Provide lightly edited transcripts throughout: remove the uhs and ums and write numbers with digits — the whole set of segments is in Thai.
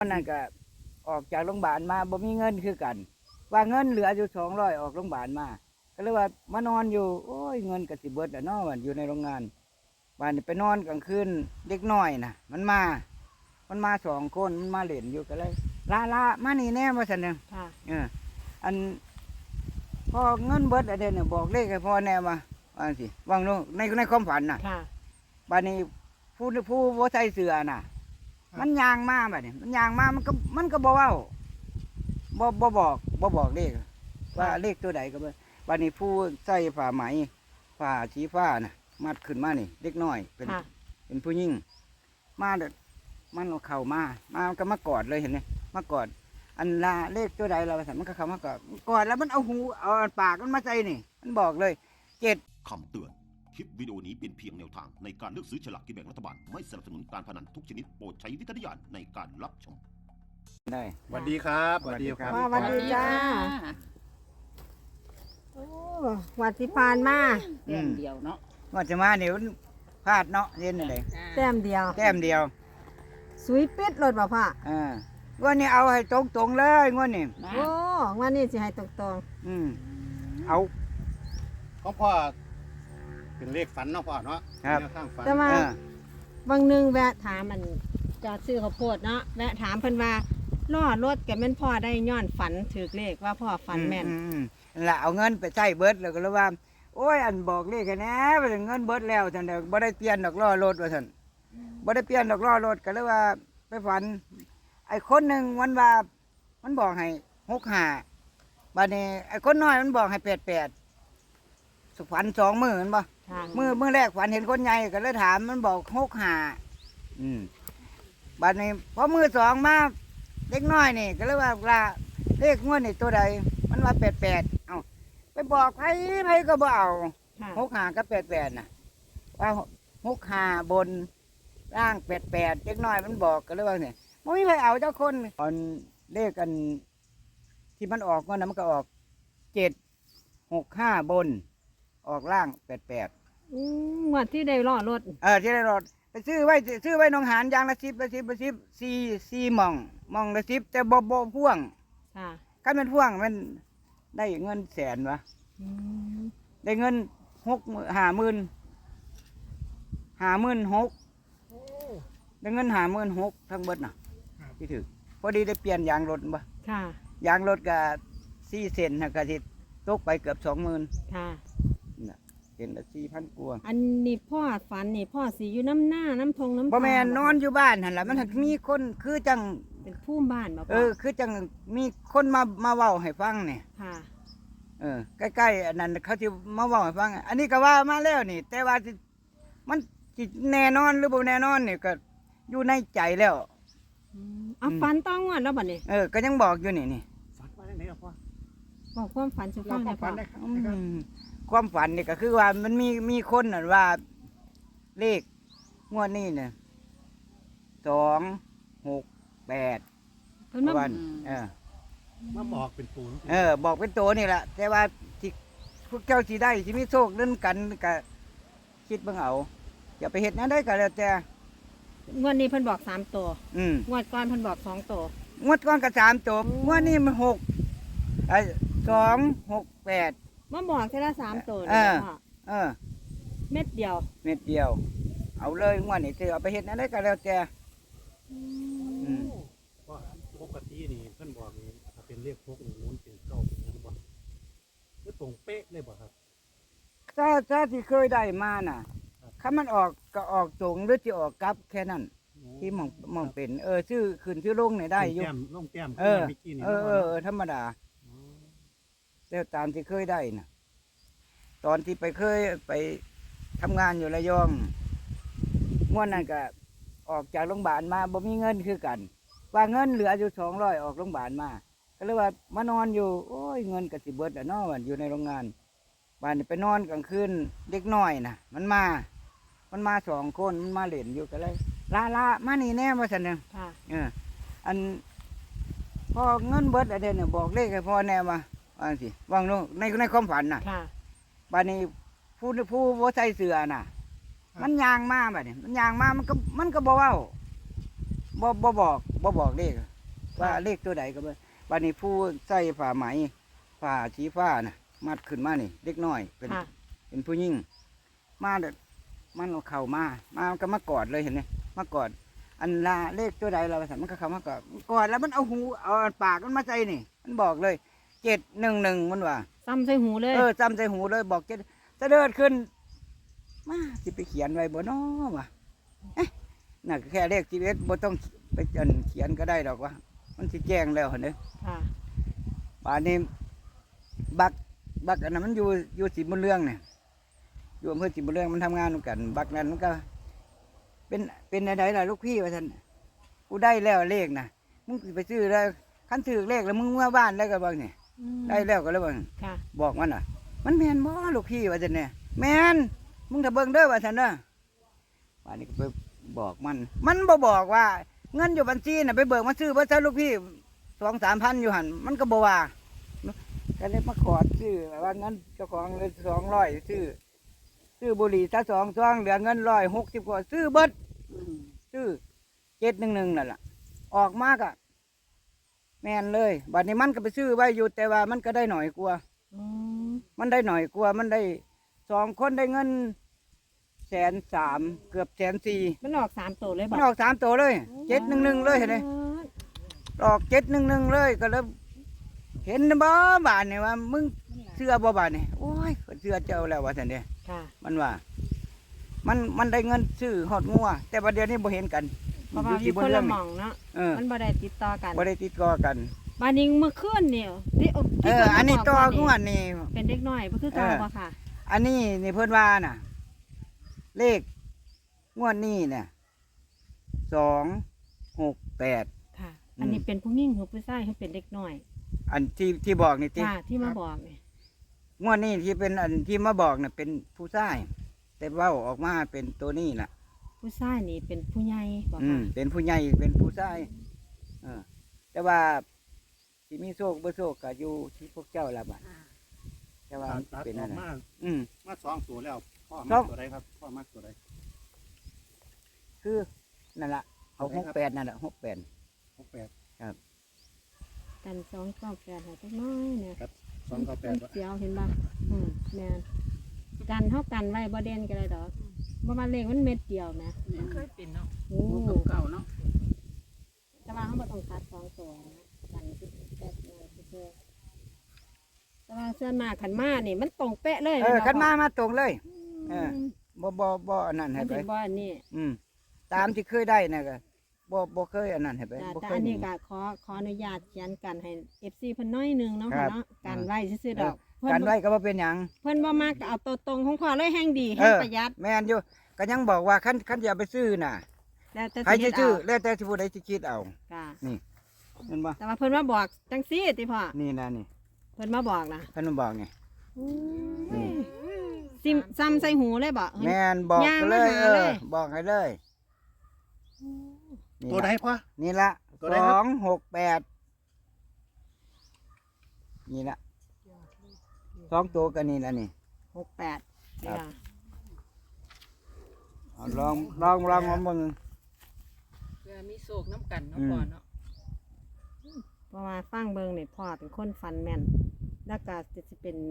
นั่นก็ออกจากโรงพยาบาลมาบ่มีเงินคือกันว่าเงินเหลืออยู่200ออกโรงพยาบาลมาก็เลยว่ามานอนอยู่โอ้ยเงินก็สิเบิดแล้วเนาะวันอยู่ในโรงงานบ้านนี้ไปนอนกลางคืนเด็กน้อยน่ะมันมา2 คนมันมาเล่นอยู่ก็เลยละมานี่แน่ว่าซั่นนึงอันพอเงินเบิดอันเดียวเนี่ยบอกเลขให้พ่อแน่ว่าสิวางโน่ในความฝันน่ะบ้านนี้ผู้บ่ใส่เสื้อน่ะมันยางมาแบบนี้มันยางมามันก็บอกว่าบอกเลขว่าเลขตัวใดก็บ่วันนี้ผู้ใส่ผ้าไหมผ้าสีฟ้าน่ะมัดขึ้นมานี่เล็กน้อยเป็นผู้หญิงมาเด็ดมันเอาเข่ามาก็มากอดเลยเห็นไหมมากอดอันลาเลขตัวใดเราสั่งมันก็เข้ามากอดแล้วมันเอาหูเอาปากมันมาใส่นี่มันบอกเลย7 คำเตือนคลิปวิดีโอนี้เป็นเพียงแนวทางในการเลือกซื้อฉลากกินแบ่งรัฐบาลไม่สนับสนุนการพนันทุกชนิดโปรดใช้วิจารณญาณในการรับชมได้สวัสดีครับสวัสดีครับสวัสดีจ้าโอ้วัดที่ผ่านมาแต้มเดียวเนาะว่าจะมาเนี่ยพลาดเนาะเย็นอะไรแต้มเดียวแต้มเดียวสวยปิดรถบ่พ่อวันนี้เอาให้ตรงเลยงวดนี้โอ้วันนี้สิให้ตรงเอาของพ่อเป็นเลขฝันเนาะพ่อเนาะครับแต่ว่าบางนึงแวะถามมันจอดซื้อข้าวโพดเนาะแวะถามเพิ่นว่าล้อรถแกแม่นพ่อได้ย้อนฝันถือเลขว่าพ่อฝันแม่นละเอาเงินไปใช้เบิดแล้วก็เลยว่าโอ้ยอันบอกเลขแค่นี้ไปเงินเบิดแล้วท่านเด็กบ่ได้เปลี่ยนดอกล้อรถว่าท่านบ่ได้เปลี่ยนดอกล้อรถก็เลยว่าไปฝันไอ้คนหนึ่งวันว่ามันบอกให้65บัดนี้ไอ้คนน้อยมันบอกให้88สุฝัน2 มื้อมันบ่มื้อแรกฝันเห็นคนใหญ่ก็เลยถามมันบอก65บัดนี้พอมื้อ2มาเล็กน้อยนี่ก็เลยว่าเลขงวดนี่ตัวใดมันว่า88เอ้าไปบอกไผก็บ่เอา65กับ88น่ะว่า65บนล่าง88เล็กน้อยมันบอกก็เลยว่าเนี่ยบ่มีใครเอาเจ้าคนตอนเลขกันที่มันออกว่านั้นมันก็ออก765บนออกล่าง88 งวดที่ได้ล้อรถที่ได้รถไปซื้อไว้หนองหานยางละ104หม่องละ10แต่บ่พ่วงคันมันพ่วงมันได้เงินแสนวะได้เงิน50,000ได้เงิน56,000ทั้งเบิดน่ะที่ถือพอดีได้เปลี่ยนยางรถบ่ยางรถก็4 เซนน่ะก็สิตกไปเกือบ 20,000น่ะเซนละ4,000กว่าอันนี้พ่อฝันนี่พ่อสิอยู่น้ำหน้าน้ำทงน้ำบ่แม่นนอนอยู่บ้านหั่นล่ะมันมีคนคือจังเป็นผู้บ้านบ่คือจังมีคนมาเว้าให้ฟังเนี่ยใกล้ๆอันนั้นเขาสิมาเว้าให้ฟังอันนี้ก็ว่ามาแล้วนี่แต่ว่ามันสิแน่นอนหรือบ่แน่นอนนี่ก็อยู่ในใจแล้วฝันต้องงวดแล้วบัดนี้ก็ยังบอกอยู่นี่ฝันว่าได้ไหนพ่อบอกความฝันสุฟังได้พ่อความฝันนี่ก็คือว่ามันมีคนน่ะว่าเลขงวดนี้เนี่ย268 เพิ่นมาบอกเป็นปูนบอกเป็นตัวนี่แหละแต่ว่าที่พวกเจ้าสิได้สิมีโชคเล่นกันก็คิดเบิ่งเอาอย่าไปเฮ็ดนั้นได้ก็แล้วแต่งวดนี้เพิ่นบอก3ตัวงวดก่อนเพิ่นบอก2ตัวงวดก่อนก็3ตัวงวดนี้มัน268 มาบอกแค่ละ3ตัวเม็ดเดียวเอาเลยงวดนี้สิเอาไปเฮ็ดนั้นได้ก็แล้วแต่ปกตินี่เพิ่นบอกนี่ถ้าเป็นเลขพกนี่มันเป็นเก้าเป็นนั้นบ่คือตรงเป๊ะเลยบ่ครับถ้าที่เคยได้มาน่ะถ้ามันออกก็ออกตรงหรือจะออกกลับแค่นั้นที่มองเป็นชื่อขึ้นชื่อลงเนี่ยได้อยู่ลงแต้มธรรมดาแล้วตามที่เคยได้น่ะตอนที่เคยไปทำงานอยู่ระยองงวดนั้นก็ออกจากโรงพยาบาลมาบ่มีเงินคือกันว่าเงินเหลืออยู่200ออกโรงพยาบาลมาก็เลยว่ามานอนอยู่โอ้ยเงินก็สิเบิดแล้วเนาะวันอยู่ในโรงงานบ้านนี่ไปนอนกลางคืนเด็กน้อยน่ะมันมา2 คนมันมาเล่นอยู่ก็เลยละมานี่แน่ว่าซั่นนึงอันพอเงินเบิดอันเดียวเนี่ยบอกเลขให้พ่อแน่ว่าสิวางโน่ในความฝันน่ะบ้านนี้ผู้บ่ใส่เสื้อน่ะมันยางมาบัดนี้มันยางมามันก็บ่เว้าบ่บอกเลขว่าเลขตัวใดก็บ่วันนี้ผู้ใส่ผ้าไหมผ้าสีฟ้าน่ะมัดขึ้นมานี่เล็กน้อยเป็นค่ะเป็นผู้หญิงมาเด็ดมันเอาเข่ามาก็มากอดเลยเห็นไหมมากอดอันลาเลขตัวใดเราสั่มันก็เข้ามากอดกอดแล้วมันเอาหูเอาปากมันมาใจนี่ มันบอกเลย711มันว่าซ้ำใส่หูเลยจำใจหูเลยบอกจะเดินขึ้นมาสิไปเขียนไว้บ่น้อวะน่ะแค่เลขชีวิตบ่ต้องไปเขียนก็ได้ดอกวะมันสิแจ้งแล้วเห็นไหมค่ะป่านนี้บักอันนั้นมันอยู่สีบุญเรื่องเนี่ยอยู่อำเภอสีบุญเรื่องมันทำงานเหมือนกัน บักนั้นมันก็ เป็นอะไรล่ะลูกพี่ว่าท่านกูได้แล้วเลขนะมึงสิไปซื้อแล้วคันซื้อเลขแล้วมึงมาบ้านแล้วก็บอกเนี่ยอืมได้แล้วก็แล้วบอกค่ะบอกมันมันแมนบ่ลูกพี่ว่าท่านเนี่ยแมนมึงถ้าเบิ่งเด้อว่าท่านเด้อป่านนี้ก็ไปบอกมันบ่บอกว่า เงินอยู่บัญชีน่ะไปเบิกมาซื้อว่าซะลูกพี่2-3 พันอยู่หันมันก็บ่ว่าก็เลยมาขอซื้อว่างั้นเจ้าของเลย200ซื้อบุหรี่ซะ2 ซองเหลือเงิน160กว่าซื้อเบิดซื้อ711นั่นล่ะออกมากอะแม่นเลยบัดนี้มันก็ไปซื้อไว้อยู่แต่ว่ามันก็ได้หน่อยกว่าอืมมันได้หน่อยกว่ามันได้2 คนได้เงิน130,000เกือบ140,000 มันออก3ตัวเลยมับ่นออก3 ตัวเลย711เลยเห็นไหมออก711เลยก็เลยเห็นบ่บานนี่ว่ามึงเชื่อบ่บานนี่โอ้ยเชื่อเจ้าแล้วว่าท่านเด้ค่ะมันว่า มันได้เงินซื้อหอดงัวแต่ประเดี๋ยวนี้บ่เห็นกันเพราะว่าอยู่คนละหม่องเนาะเออมันบ่ได้ติดต่อกันบ่ได้ติดต่อกันบานิงเมื่อคืนนี่ที่เออ อันนี้ต่องัวนี่เป็นเด็กน้อยบ่คือเก่าบ่ค่ะอันนี้นี่เพิ่นว่าน่ะ เลขงวดนี้เนี่ย268 ค่ะ อันนี้เป็นผู้หญิงหรือผู้ชายให้เป็นเด็กน้อยอันที่บอกนี่ติค่ะที่มาบอกนี่งวดนี้ที่เป็นอันที่มาบอกน่ะเป็นผู้ชายแต่เว้าออกมาเป็นตัวนี้ล่ะผู้ชายนี่เป็นผู้ใหญ่บ่ค่ะเป็นผู้ใหญ่เป็นผู้ชายแต่ว่าที่มีโชคบ่โชคก็อยู่ที่พวกเจ้าละบัดแต่ว่าตัดเป็นออะอกไรมาอืมมา2ตัวแล้วพ่อครัมาบตัวใดครับพ่อมาตัวใดคือนั่นล่ะเอา68นั่นล่ะ68 68 กัน298ให้จักหน้อยเนี่ยครับมัน 298 เสียวเห็นบ่แม่นกันเฮากันไว้บ่เด่นก็ได้ดอกบ่ว่าเลขมันเม็ดเดียวแหมมันเคยเป็นเนาะโอ้เก่าเนาะแต่ว่าเฮาบ่ต้องตัด2ตัวนะกันสิแบบนั้นซื่อๆแต่ว่าส่วนมากคันมานี่มันตรงเป๊ะเลยคันมาตรงเลยอืมบ่อันนั้นให้มันไปเป็นบ่อันนี้ตามที่เคยได้น่ะก็บ่เคยอันนั้นให้ไปจ้ะบ่แต่เคยอันนี้หก็ขออนุญาตเขียนกันให้ FC เพิ่นน้อยหนึงเนาะครัค่ะบเนาะกันไว้ซื่อๆดอกเพิ่กันนไว้ก็บ่เป็นหยังเพิ่นบ่มักก็เอาตัวตรงของพ่อเลยแห่งดีแห่งประหยัดแม่นอยู่ก็ยังบอกว่าคันอย่าไปซื้อน่ะแล้วแต่ใครสิจะเฮ็ดซื้อเอาแล้วแต่สิผู้ใดสิคิดเอาค่ะเห็นบ่แต่ว่าเพิ่นมาบอกจังซี่ติพ่อนี่นะนี่เพิ่นมาบอกนะเพิ่นบอกไง นี่ซิมซ้ำใส่หูเลยบ่เฮ้ยแม่นบอกย่างเลมาย หาเลยบอกให้เลยนี่ตัวใดล่ะพ่อนี่ละตัวใดครับ 268นี่ละ2ตัวกันนี่ละนี่ 68นี่ล่ะเอาลองมาเบิ่งเพื่อมีโศกน้ำกันเนาะอืมพ่อเนาะเพราะว่าฟังเบิ่งนี่พ่อเป็นคนฟันแม่นแล้วก็จะสิเป็น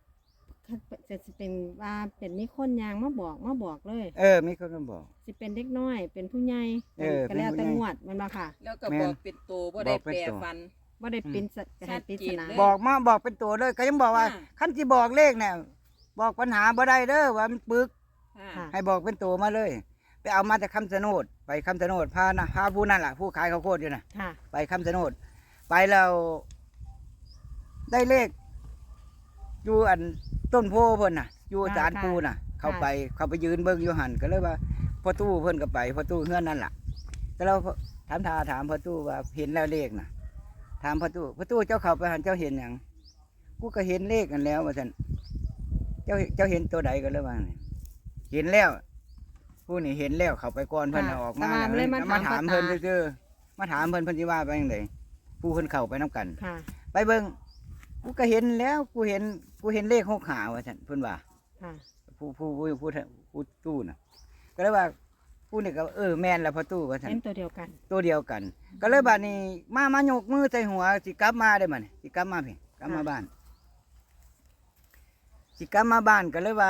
ว่าเป็นมีคนยางมาบอกเลยมีคนมาบอกสิเป็นเด็กน้อย เป็นผู้ใหญ่ ก็แล้วเป็นผู้แต่ใหญ่งวดแมันบ่ค่ะแล้วก็แม่นบอกเป็นตัวบ่ได้บอกเป็นแปรตัวฟันบ่ได้เป็นให้ปริศนาชัดเจนเลยบอกเป็นตัวเลย ก็ยังบอกว่าอ่าคันที่บอกเลขเนี่ยบอกปัญหาบ่ได้เด้อว่ามันปึกค่ะค่ะให้บอกเป็นตัวมาเลย ไปเอามาจากคำชะโนดไปคำชะโนดพาผู้นั่นล่ะผู้ขายข้าวโพดอยู่น่ะค่ะไปคำชะโนดไปแล้วได้เลขอยู่อันต้นโพเพิ่นน่ะ อยู่ศาลปูน่ะ เข้าไปยืนเบิ่งอยู่หันก็เลยว่าพ่อตู้เพิ่นก็ไปพ่อตู้เฮือนนั่นล่ะแต่เราถามพ่อตู้ว่าเห็นแล้วเลขน่ะ ถามพ่อตู้เจ้าเข้าไปหันเจ้าเห็นหยังกูก็เห็นเลขกันแล้วว่าซั่นเจ้าเห็นตัวใดก็เลยว่านี่เห็นแล้ว ผู้นี่เห็นแล้วเข้าไปก่อนเพิ่นน่ะออกมาแต่ว่าเลยมาถามเพิ่นพ่อตาซื่อๆมาถามเพิ่นสิว่าไปจังไดผู้เพิ่นเข้าไปนํกันค่ะไปเบิ่งกูก็เห็นแล้วกูเห็นเลข6หาว่าซั่นเพิ่นว่าค่ะผู้ตู้น่ะ ก็เลยว่าผู้นี่ก็แม่นแล้วพอตู้ว่าซั่นเห็นตัวเดียวกันตัวเดียวกัน ก็เลยบัดนี้มายกมือใส่หัวสิกลับมาได้บัดนี้สิกลับมาพี่กลับมาบ้านสิกลับมาบ้านก็เลยว่า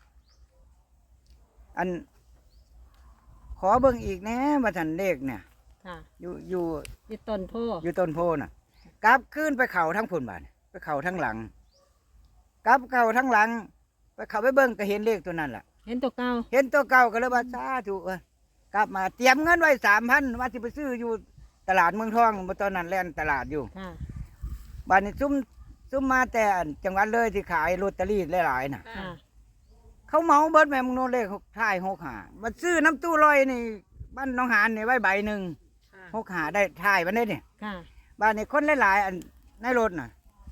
อัน ขอเบิ่งอีกแหน่ว่าซั่นเลขเนี่ยค่ะอยู่อยู่ต้นโพอยู่ต้นโพน่ะกลับขึ้นไปเข่าทั้งพุ่นบาดไปเข่าทั้งหลังกลับเข่าทั้งหลัง ไปเข่าไปเบิ่งก็เห็นเลขตัวนั้นล่ะเห็นตัวเก่าเห็นตัวเก่าก็เลยว่าสาธุกลับมาเตรียมเงินไว้3,000ว่าสิไปซื้ออยู่ตลาดเมืองทองตอนนั้นแล่นตลาดอยู่ค่ะบ้านนี้ซุ่มมาแต่อันจังหวัดเลยที่ขายลอตเตอรี่หลายๆน่ะค่ะเขาเมาเบิดแม่มึงโน่นเลขท้าย65มาซื้อน้ำตู้ลอยนี่บ้านหน้องหานนี่ไว้ใบหนึ่งค่ะ 65ได้ท้ายมันได้นี่ค่ะบ้านนี้คนหลายๆอันในรถน่ะ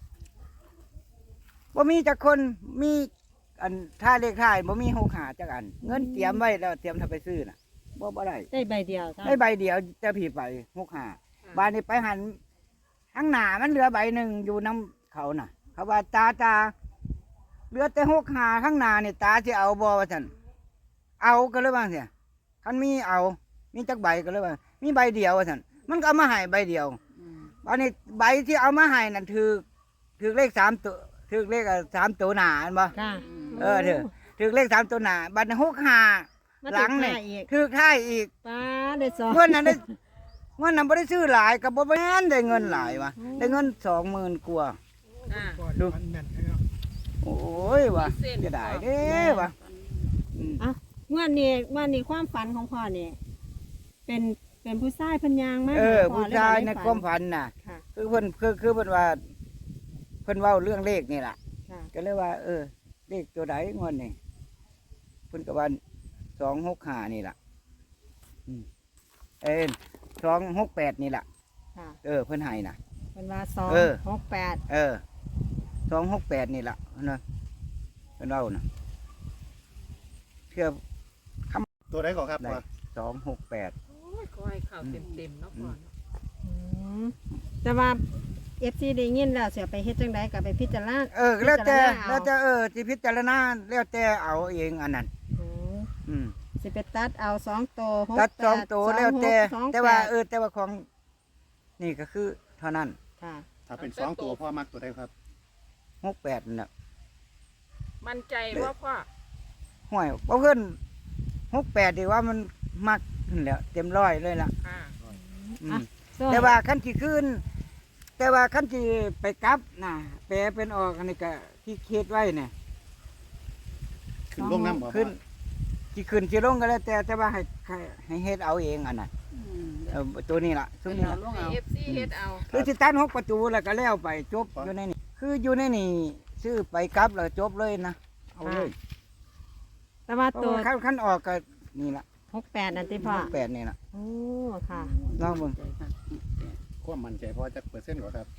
บ่มีจักคนมีอันท่าเลขท้ายบ่มี65จักอัน เงินเตรียมไว้แล้วเตรียมทำไปซื้อน่ะบ่ได้ได้ใบเดียวค่ะได้ใบเดียวจะผีไป65บ้านนี้ไปหันข้างหน้ามันเหลือใบหนึ่งอยู่น้ำเขาน่ะ เขาว่าตาเหลือแต่65ข้างหน้านี่ตาสิเอาบ่ว่าซั่นเอาก็เลยว่าเสียคันมีเอามีจักใบก็เลยว่า มีใบเดียวว่าซั่นมันก็เอามาให้ใบเดียวอืมบ้านนี้ใบที่เอามาให้นั่นถือเลข3ตัวถือเลข3ตัวหน้าอันบ่ค่ะถือเลข3ตัวหน้าบัดนี้65 มาหลังติดนี่มาอีกถือท้ายอีกป้าได้สองเงินนั้นได้เงินนั้นบ่ได้ซื้อหลายกับบ่แม่นได้เงินหลายวะได้เงิน20,000กว่าอ่าก่อนดูฟันแม่นนะครับโอ้ยวะมีเส้นจะได้เด้วะอืมงวดนี้ความฝันของพ่อนี่เป็นผู้ชายเพันยางมากผู้ชายในความฝันน่ะค่ะคือเพิ่นคือเพิ่นว่าเพิ่นเว้าเรื่องเลขนี่ล่ะค่ะก็เลยว่า เลขตัวใดงวดนี่เพิ่นก็ว่า265นี่ล่ะอืม268นี่ล่ะค่ะเพิ่นให้น่ะเป็นว่าเออ 268 268นี่ล่ะนะเพิ่นเว้าน่ะเพื่อตัวไหนก่อนครับได้ว่า 268 โอ้ยขอให้ข่าวเต็มๆเนาะพ่อเนาะแต่ว่า FC ได้ยินแล้วเสียไปเฮ็ดจังไดก็ไปพิจารณาแล้วแต่พิจารณาเอาแล้วแต่สิพิจารณาแล้วแต่เอาเองอันนั้นอืมอืมสิไปตัดเอา2ตัวตัด2ตัวแล้วแต่ 26 แต่ว่าแต่ว่าของนี่ก็คือเท่านั้นค่ะถ้าเป็น2ตัวพ่อมักตัวใดครับ 68นั่นน่ะมั่นใจว่าพ่อห้วยบ่เพิ่น68ดีว่ามันมักนั่นแหล้วเต็มร้อยเลยล่ะค่ะอืมส่วนแต่ว่าคันสิขึ้น แต่ว่าคันสิไปกลับน่ะแปลเป็นออกอันนี้ก็ที่เฮ็ดไว้เนี่ยขึ้นลงน้ำบ่ขึ้นสิขึ้นสิลงก็แล้วแต่ว่าให้เฮ็ดเอาเองอันนั้นตัวนี้ล่ะตัวนี้ล่ะให้ FC เฮ็ดเอาคือสิตัน6ประตูแล้วก็แล้วไปจบอยู่ในนี่คืออยู่ในนี่ซื้อไปกลับแล้วจบเลยนะเอาเลยแต่ว่าเพราะตัวว่าคันออกก็นี่ล่ะ 68นั่นติพ่อ 8นี่ล่ะโอ้ค่ะลองเบิ่งความมั่นใจพอจักเปอร์เซ็นต์ก่อนครับ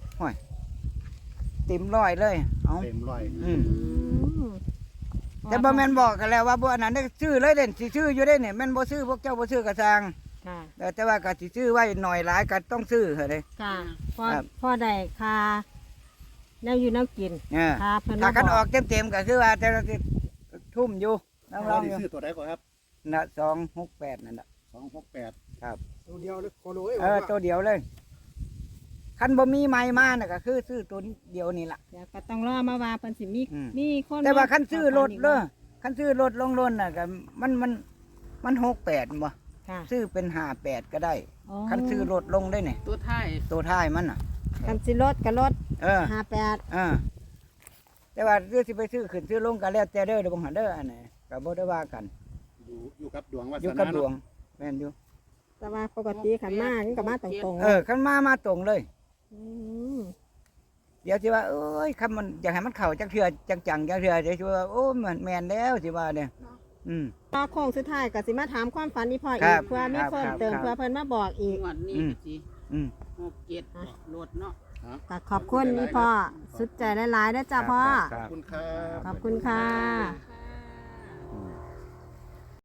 เต็มร้อยเลยเอาเต็มร้อยอืมอืมแต่บ่แม่นบอกกันแล้วว่าบ่อันนั้นได้ซื้อเลยเด่นสิซื้ออยู่ได้เนี่ยแม่นบ่ซื้อพวกเจ้าบ่ซื้อกระซังค่ะแต่ว่าก็สิซื้อไว้หน่อยหลายก็ต้องซื้อเถอะเด้ค่ะพ่อครับพ่อได้ค่าแนวอยู่แนวกินเออค่ะเพิ่นถ้ามาคันบออกเต็มๆก็คือว่าแต่ละสิทุ่มอยู่ลพ่อองได้อยู่ซื้อตัวใดก่อนครับน่ะ268นั่นน่ะ 268 ตัวเดียวเลยโคโลเอ้ยตัวเดียวเลยคันบ่มีไม้มาน่ะก็คือซื้อตัวเดียวนี่ล่ะเดี๋ยวก็ต้องรอมาว่าเพิ่นสิมีอืมมีคนแต่ว่าคันซื้อรถอีกเด้อคันซื้อรถลงรถน่ะก็มัน68บ่ค่ะซื้อเป็น58ก็ได้อ๋อคันซื้อรถลงได้เนี่ยตัวท้ายตัวท้ายมันน่ะคันสิรถก็รถเออ 58 แต่ว่าเรื่องสิไปซื้อขึ้นซื้อลงกันแล้วแต่เด้อเดี๋ยวผมหาเด้ออันไหนก็บ่ได้ว่ากันอยู่กับดวงวาอยู่สกับนาดวเนาะงแม่นอยู่แต่ว่าปกติขันมามันก็มาตรงๆคันมาตรงเลยมเดี๋ยวสิว่าเอ้ยคำมันอยากให้มันเข้าจักเทื่อจังๆจักเทื่อเดี๋ยวสิว่าโอ้มันแม่นแล้วสิว่าเนี่ยอืมพอโค้งสุดท้ายก็สิมาถามความฝันอีพ่อครัอีกบเพื่อมีครับเพิ่มครับเติมครับเพื่อเพิ่นมาบอกอีกงวดนี้อืมก็สิอืม 67โหลดเนาะก็ขอบคุณอีพ่อสุดใจหลายๆนะจ้าพ่อครับขอบคุณครับขอบคุณค่ะค่ะ